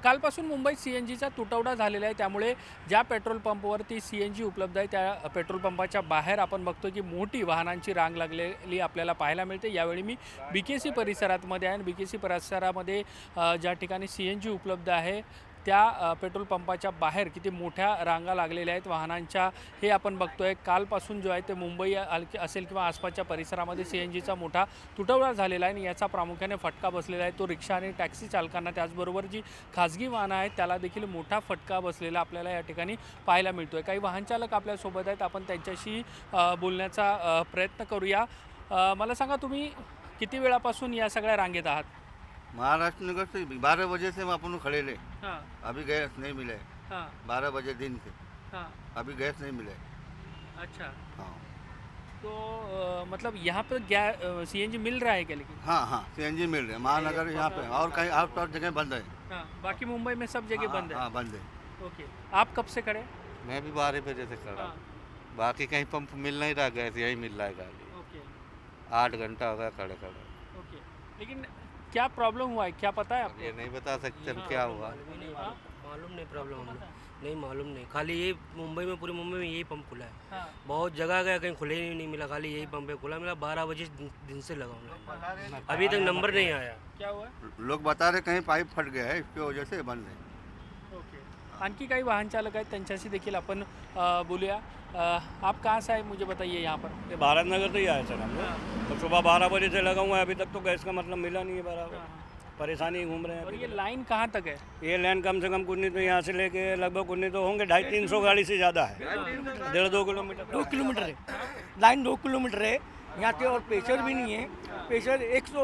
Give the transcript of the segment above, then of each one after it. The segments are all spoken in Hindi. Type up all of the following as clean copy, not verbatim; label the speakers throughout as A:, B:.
A: कालपासून मुंबईत CNGचा तुटवडा झालेला आहे, त्यामुळे ज्या पेट्रोल पंपवरती CNG उपलब्ध आहे त्या पेट्रोल पंपाच्या बाहेर आपण बघतो की मोठी वाहनांची रांग लागलेली आपल्याला पाहायला मिळते। यावेळी मी BKC परिसरामध्ये आहे आणि BKC परिसरामध्ये ज्या ठिकाणी CNG उपलब्ध आहे त्या पेट्रोल पंपाच्या बाहेर किती मोठ्या रांगा लागलेल्या आहेत वाहनांच्या, हे आपण बघतोय। कालपासून जो आहे ते मुंबई असेल किंवा आसपासच्या परिसरामध्ये CNGचा मोठा तुटवडा झालेला आहे आणि याचा प्रामुख्याने फटका बसलेला आहे तो रिक्षा आणि टॅक्सी चालकांना, त्याचबरोबर जी खाजगी वाहनं आहेत त्याला देखील मोठा फटका बसलेला आपल्याला या ठिकाणी पाहायला मिळतोय। काही वाहन चालक आपल्यासोबत आहेत, आपण त्यांच्याशी बोलण्याचा प्रयत्न करूया। मला सांगा, तुम्ही किती वेळापासून या सगळ्या रांगेत आहात?
B: महाराष्ट्र नगर से 12 बजे से हम अपन खड़े ले।
A: हाँ
B: अभी गैस नहीं मिले।
A: हाँ
B: 12 बजे दिन से
A: हाँ।
B: अभी गैस नहीं मिले।
A: अच्छा,
B: हाँ
A: तो मतलब यहाँ पर CNG मिल रहा है क्या? लेकिन
B: हाँ CNG मिल रहे हैं महानगर यहाँ पे, और कहीं आउट और जगह बंद है।
A: हाँ, बाकी मुंबई में सब जगह बंद है।
B: हाँ बंद है।
A: ओके, आप कब से खड़े?
C: मैं भी 12 बजे से खड़ा
A: हाँ,
C: हूँ। बाकी कहीं पंप मिल नहीं रहा, गैस यही मिल रहा है गाड़ी।
A: ओके
C: 8 घंटा हो गया खड़े खड़े।
A: ओके, लेकिन क्या प्रॉब्लम हुआ है, क्या पता है
C: अब
A: आपको?
C: ये नहीं बता सकते हम क्या हुआ।
D: मालूम नहीं प्रॉब्लम हमने नहीं मालूम नहीं, खाली ये मुंबई में पूरी मुंबई में यही पंप खुला है।
A: हाँ,
D: बहुत जगह गया, कहीं खुले ही नहीं मिला, खाली यही पंप है खुला मिला। 12 बजे दिन से लगा हूँ, अभी तक नंबर नहीं आया।
A: क्या हुआ?
B: लोग बता रहे कहीं पाइप फट गया है, इसकी वजह से बंद है।
A: ओके, आणखी काही वाहन चालक आहेत, त्यांच्याशी देखील आपण बोलूया। आप कहाँ से आए, मुझे बताइए यहाँ पर?
E: ये भारत नगर से ही आए सर हम
A: हाँ,
E: लोग। तो सुबह 12 बजे से लगा हुआ है, अभी तक तो गैस का मतलब मिला नहीं है बराबर।
A: हाँ,
E: परेशानी घूम रहे हैं
A: और
E: अभी
A: ये
E: तो।
A: लाइन कहाँ तक है?
E: ये लाइन कम से कम कुछ नहीं तो यहाँ से लेके लगभग कुछ नहीं तो होंगे 250-300 गाड़ी से ज़्यादा है। 1.5-2 किलोमीटर।
F: 2 किलोमीटर है, लाइन 2 किलोमीटर है यहाँ से, और प्रेशर भी नहीं है। प्रेशर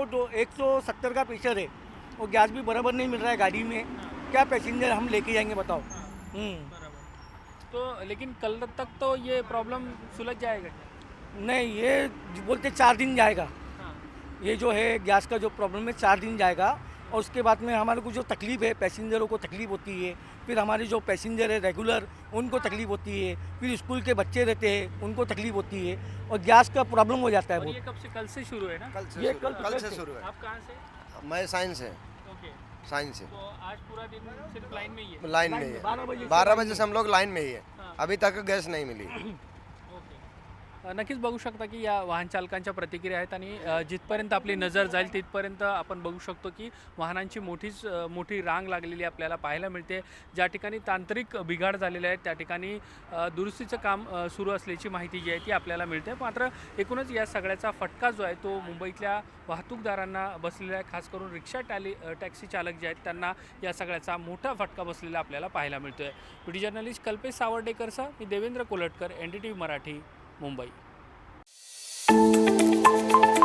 F: 170 का प्रेशर है, और गैस भी बराबर नहीं मिल रहा है गाड़ी में। क्या पैसेंजर हम लेके जाएंगे बताओ?
A: बराबर। तो लेकिन कल तक तो ये प्रॉब्लम सुलझ जाएगा क्या?
F: नहीं, ये बोलते 4 दिन जाएगा।
A: हाँ,
F: ये जो है गैस का जो प्रॉब्लम है 4 दिन जाएगा, और उसके बाद में हमारे को जो तकलीफ़ है, पैसेंजरों को तकलीफ़ होती है, फिर हमारे जो पैसेंजर है रेगुलर उनको तकलीफ़ होती है, फिर स्कूल के बच्चे रहते हैं उनको तकलीफ़ होती है, और गैस का प्रॉब्लम हो जाता है
A: और
F: बहुत।
A: ये कब से? कल से शुरू है ना?
F: ये
B: कल से शुरू है।
A: आप कहाँ से?
B: मैं साइंस है,
A: ओके,
B: साइंस है।
A: तो आज पूरा दिन सिर्फ लाइन में ही है?
B: लाइन में ही है। 12 बजे से हम लोग लाइन में ही है,
A: हाँ,
B: अभी तक गैस नहीं मिली।
A: ओके। नक्कीच बघू शकता की या वाहन चालकांच्या प्रतिक्रिया आहेत आणि जिथपर्यंत आपली नजर जाईल तिथपर्यंत आपण बघू शकतो की वाहनांची मोठी रांग लागलेली आपल्याला पाहायला मिळते। ज्या ठिकाणी तांत्रिक बिघाड झालेले आहेत त्या ठिकाणी दुरुस्तीचं काम सुरू असल्याची माहिती जी आहे ती आपल्याला मिळते। मात्र एकूणच या सगळ्याचा फटका जो आहे तो मुंबईतल्या वाहतूकदारांना बसलेला आहे, खास करून रिक्षा टॅक्सी चालक जे आहेत त्यांना या सगळ्याचा मोठा फटका बसलेला आपल्याला पाहायला मिळतोय। व्हिडिओ जर्नलिस्ट कल्पेश सावर्डेकरसह मी देवेंद्र कोलटकर, NDTV मराठी, मुंबई।